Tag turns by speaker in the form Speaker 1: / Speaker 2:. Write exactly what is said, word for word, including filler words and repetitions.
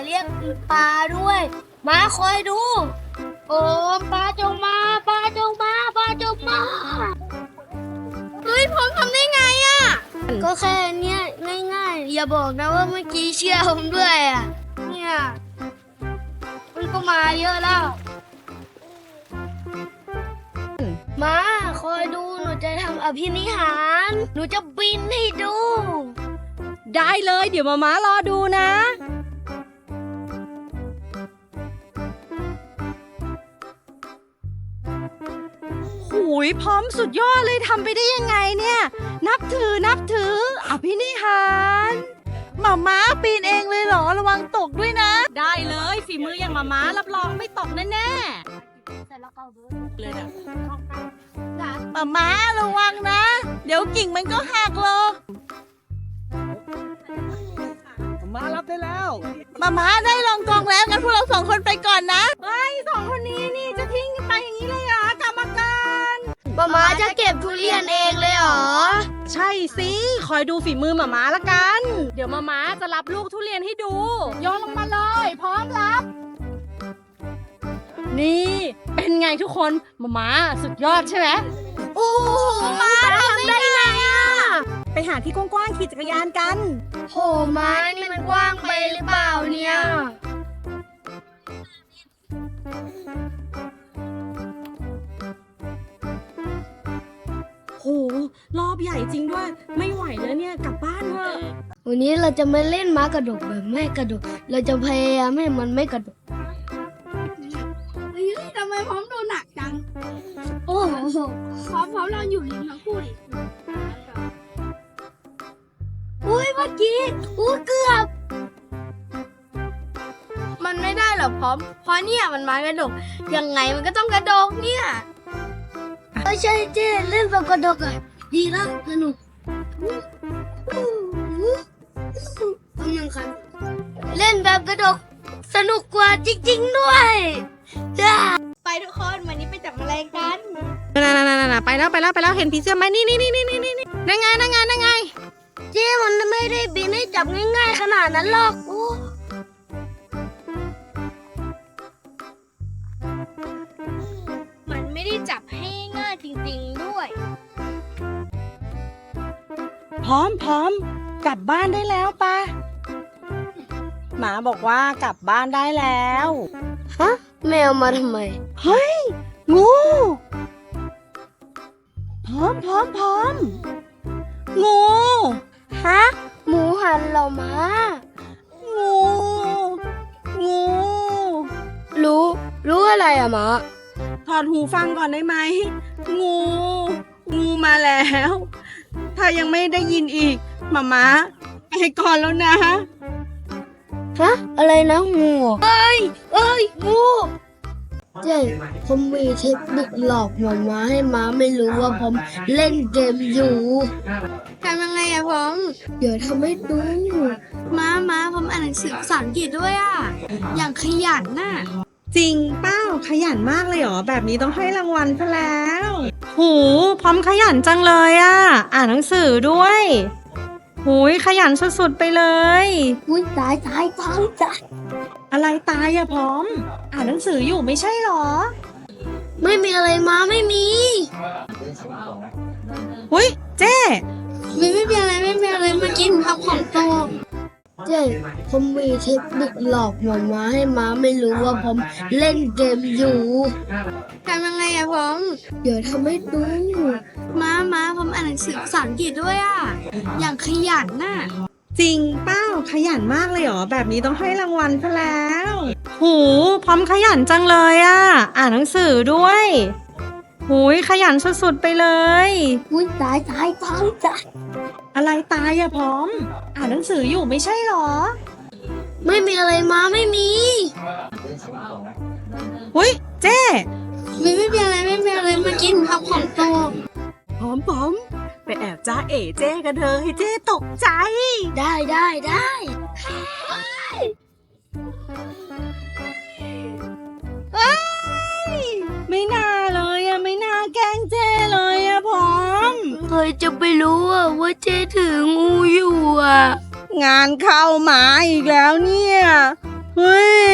Speaker 1: เรียกปลาด้วยมาคอยดูโอ้ปลาจงมาปลาจงมาปลาจงมาเฮ้ยผมทำได้ไงอ่ะก็แค่เนี้ยง่ายๆอย่าบอกนะว่าเมื่อกี้เชื่อผมด้วยอ่ะเนี่ยมันก็มาเยอะแล้วมาคอยดูหนูจะทำอภินิหารหนูจะบินให้ดู
Speaker 2: ได้เลยเดี๋ยวมาม้ารอดูนะหูยพร้อมสุดยอดเลยทำไปได้ยังไงเนี่ยนับถือนับถืออภินิหารหมาม้าปีนเองเลยเหรอระวังตกด้วยนะได้เลยฝีมืออย่างหมาม้ารับรองไม่ตกแน่ๆเลยนะหมาม้าระวังนะเดี๋ยวกิ่งมันก็หักหรอก
Speaker 3: มารับได้แล้ว
Speaker 2: มาม้าได้ลองกองแล้วงั้นพวกเราสองคนไปก่อนนะไอ้สองคนนี้นี่จะทิ้งกันไปอย่างนี้เลยเหรอกรรมการ
Speaker 1: มาม้าจะเก็บทุเรียนเองเลยเหรอ
Speaker 2: ใช่สิคอยดูฝีมือมาม้าละกันเดี๋ยวมาม้าจะรับลูกทุเรียนให้ดูโยนลงมาเลยพร้อมรับนี่เป็นไงทุกคนมาม้าสุดยอดใช่ไหม
Speaker 1: โอ้มาทำได้ไงอ่ะ
Speaker 2: ไปหาที่กว้างๆขี่จักรยานกัน
Speaker 1: โหม้านี่มันกว้างไปหรือเปล่าเนี่ย
Speaker 2: โหรอบใหญ่จริงด้วยไม่ไหวแล้วเนี่ยกลับบ้านเถอะ
Speaker 1: วันนี้เราจะไม่เล่นม้ากระดกแบบไม่กระดกเราจะพยายามให้มันไม่กระดก
Speaker 4: เฮ้ยทำไมพร้อมดูหนักจัง
Speaker 1: โอ้โห
Speaker 4: พร้อมพร้อมเราอยู่ริมทั้งคู่ดิ
Speaker 1: อุ้ยเมื่อกี้อู้เกือบ
Speaker 4: มันไม่ได้หรอกพร้อมเพราะเนี่ยมันม้ากระดกยังไงมันก็ต้องกระดกเนี่ย
Speaker 1: เอ้ใช่เจ๊เล่นแบบกระดกอ่ะดีแล้วสนุกกำลังคันเล่นแบบกระดกสนุกกว่าจริงๆด้วยจ้า
Speaker 4: ไปทุกคนวันนี้ไปจับแมลงกัน
Speaker 2: น่ๆๆๆไปแล้วไปแล้วไปแล้วเห็นผีเสื้อไหมนี่นี่นี่นี่นี่นี่นั่งไงนั่งไงนั่งไง
Speaker 1: เจ๊มันไม่ได้บินให้จับง่ายๆขนาดนั้นหรอกโอ้
Speaker 4: มันไม่ได้จับให้ง่ายจริงๆด้วย
Speaker 2: พร้อมพร้อมกลับบ้านได้แล้วปะหมาบอกว่ากลับบ้านได้แล้ว
Speaker 1: ฮะแมวมาทำไม
Speaker 2: เฮ้ยงูพร้อมพร้อมพร้อมงู
Speaker 1: ฮะหมูหันเรามา
Speaker 2: งูงู
Speaker 1: รู้รู้อะไรอะหมา
Speaker 2: ถอดหูฟังก่อนได้ไหมงูงูมาแล้วถ้ายังไม่ได้ยินอีกหมาม้าไปก่อนแล้วนะ
Speaker 1: ฮะอะไรนะงูเอ้ยเอ้ยงูเจ๊ผมมีเทคนิคหลอกหมาม้าให้ม้าไม่รู้ว่าผมเล่นเกมอยู่
Speaker 4: ทำยังไงอะผม
Speaker 1: เดี๋ยวทำให้ดู
Speaker 4: ม้าม้าผมอ่านหนังสือภาษาอังกฤษด้วยอะอย่างขยันน่ะ
Speaker 2: จริงเป้าขยันมากเลยเหรอแบบนี้ต้องให้รางวัลซะแล้วหูพร้อมขยันจังเลยอะอ่านหนังสือด้วยหูยขยันสุดๆไปเลย
Speaker 1: อุ้ยตายตายตายตาย
Speaker 2: อะไรตายอะพร้อมอ่านหนังสืออยู่ไม่ใช่หรอ
Speaker 1: ไม่มีอะไรมาไม่มี
Speaker 2: หุ้ยเจ๊
Speaker 4: ไม่ไม่มีอะไรไม่มีอะไรมากินครับของโต
Speaker 1: เจ๊ผมมีเทคนิคหลอกหมาม้าให้ม้าไม่รู้ว่าผมเล่นเกมอยู่
Speaker 4: ทำยังไงอะผม
Speaker 1: เดี๋ยวทำให้ดู
Speaker 4: ม้าม้าผมอ่านหนังสือภาษาอังกฤษด้วยอะอย่างขยันน่ะ
Speaker 2: จริงเป้าขยันมากเลยเหรอแบบนี้ต้องให้รางวัลซะแล้วหูพร้อมขยันจังเลยอะอ่านหนังสือด้วยหูยขยันสุดๆไปเลย
Speaker 1: อุ้ยตายตายตายตาย
Speaker 2: อะไรตายอะพร้อมอ่านหนังสืออยู่ไม่ใช่หรอ
Speaker 1: ไม่มีอะไรมาไม่มี
Speaker 2: หุ้ยเจ๊
Speaker 4: ไม่ไม่มีอะไรไม่มีอะไรมากินครับของโต
Speaker 2: พร้อมพร้อมไปแอบจ้าเอ๋เจ๊กันเถอะให้เจ๊ตกใจ
Speaker 1: ได้ได้ได้
Speaker 2: ไม่น่าเลยอะไม่น่าแกล้งเจ๊เลยอะพร้อม
Speaker 1: เคยจะไปรู้อะว่าเจ๊ถืองูอยู่อะ
Speaker 2: งานเข้าหมาอีกแล้วเนี่ยเฮ้ย